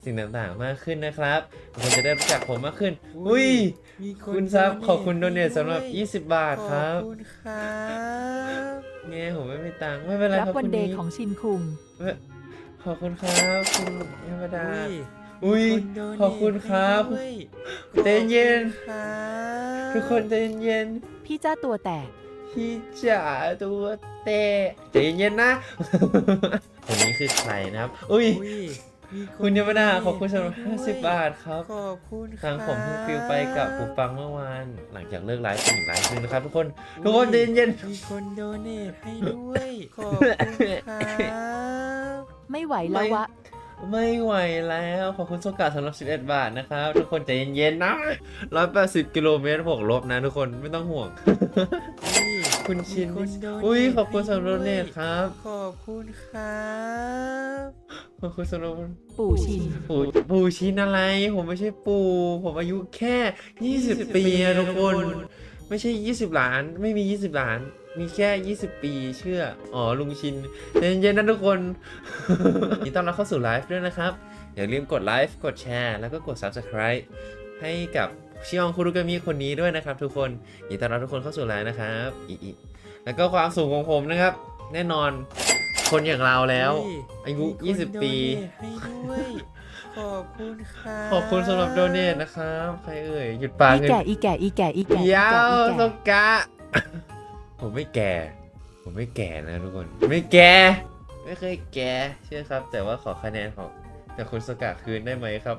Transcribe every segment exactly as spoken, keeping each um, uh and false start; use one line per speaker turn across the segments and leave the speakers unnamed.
สิ่งต่างๆมากขึ้นนะครับคุณจะได้รู้จักผมมากขึ้นอุ้ยคุณซับขอบคุณโดเนทสำหรับยี่สิบบาทครับ
ขอบคุณครับ
เนี่ยผมไม่มีตังค์ไม่เป็นไร
รับ
ครับ
วัน
คุณ
เด
นี้
ย์ของชินคุง
ขอบคุณครับคุณธรรมดา
อุ้
อุ้ย
มีนโดเนท
ขอบคุณครับ
ให้ด้วย
ใจเย็น
ขอบคุณครับ
ทุกคนใจเย็น
พี่จ้าตัวแตก
พี่จ๋าตัวเตะใจเย็นๆนะ คนนี้คือใครนะครับ อุ้ย
อุ้ยมี
คุณธรรมดาขอบคุณสำหรับ
ให้ด้วย
ห้าสิบบาทครับ
ขอบคุณค
ทา
รับ
งผมเพิ่งฟิลไปกับหูฟังเมื่อวาน หลังจากเลิกไลฟ์เป็นอีกไลฟ์หนึงนะครับทุกคน ทุกคนใจเย็น
มีคนโดเนทให้ด้วย ขอบคุณครับ
ไม่ไหวแล้ววะ
ๆไม่ไหวแล้ว ขอบคุณโซกาสำหรับสิบเอ็ดบาทนะครับ ทุกคนใจเย็นๆนะร้อยแปดสิบกิโลเมตรบวกลบนะทุกคนไม่ต้องห่วง
อุ้ย
คุณชิน
มีคนโดเนท
อุ้ยขอบคุณสำหรับโดเนท
ให้ด้วย
ครับ
ขอบคุณครับ
ขอบคุณสำหรับ
ปู่ชิน
ปู่ปู่ชินอะไร ผมไม่ใช่ปู่ผมอายุแค่ยี่สิบปีอะทุกคน ไม่ใช่ยี่สิบล้าน ไม่มียี่สิบล้าน มีแค่ยี่สิบปีเชื่อ อ๋อลุงชินใจเย็นๆนะทุกคน ยินดีต้อนรับเข้าสู่ไลฟ์ด้วยนะครับ อย่าลืมกดไลฟ์กดแชร์แล้วก็กด ซับสไครบ์ ให้กับชิอองคุรุกามิคนนี้ด้วยนะครับทุกคนยินดีต้อนรับทุกคนเข้าสู่ไลฟ์นะครับอีอีแล้วก็ความสูงของผมนะครับ แน่นอนคนอย่างเราแล้ว
อุ้
อายุ
มีคน
ยี่สิบ ปี
โดเนทให้ด้วย ขอบคุณครับ
ขอบคุณสำหรับโดเนทนะครับ ใครเอ่ย หยุดปา
อี
เงิน
แก่อีแก่อีแก่อีแก่อี
เดี๋ย
แก่
ว
อี
ส
แก่
กะ ผมไม่แก่ ผมไม่แก่นะทุกคน ไม่แก่ ไม่เคยแก่เชื่อครับ แต่ว่าขอคะแนนของจากคุณสกะคืนได้ไหมครับ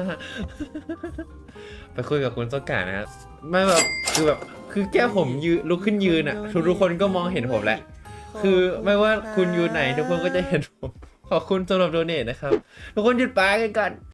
ไปคุยกับคุณสกะนะครับ ไม่แบบ คือแบบ คือแค่ผมยืนลุกขึ้นยืนอ่ะ ทุกทุกคนก็มองเห็นผมแหละ คือไม่ว่าคุณอยู่ไหนทุกคนก็จะเห็นผม ขอบคุณสำหรับโดเนทนะครับ ทุกคนหยุดปากันก่อน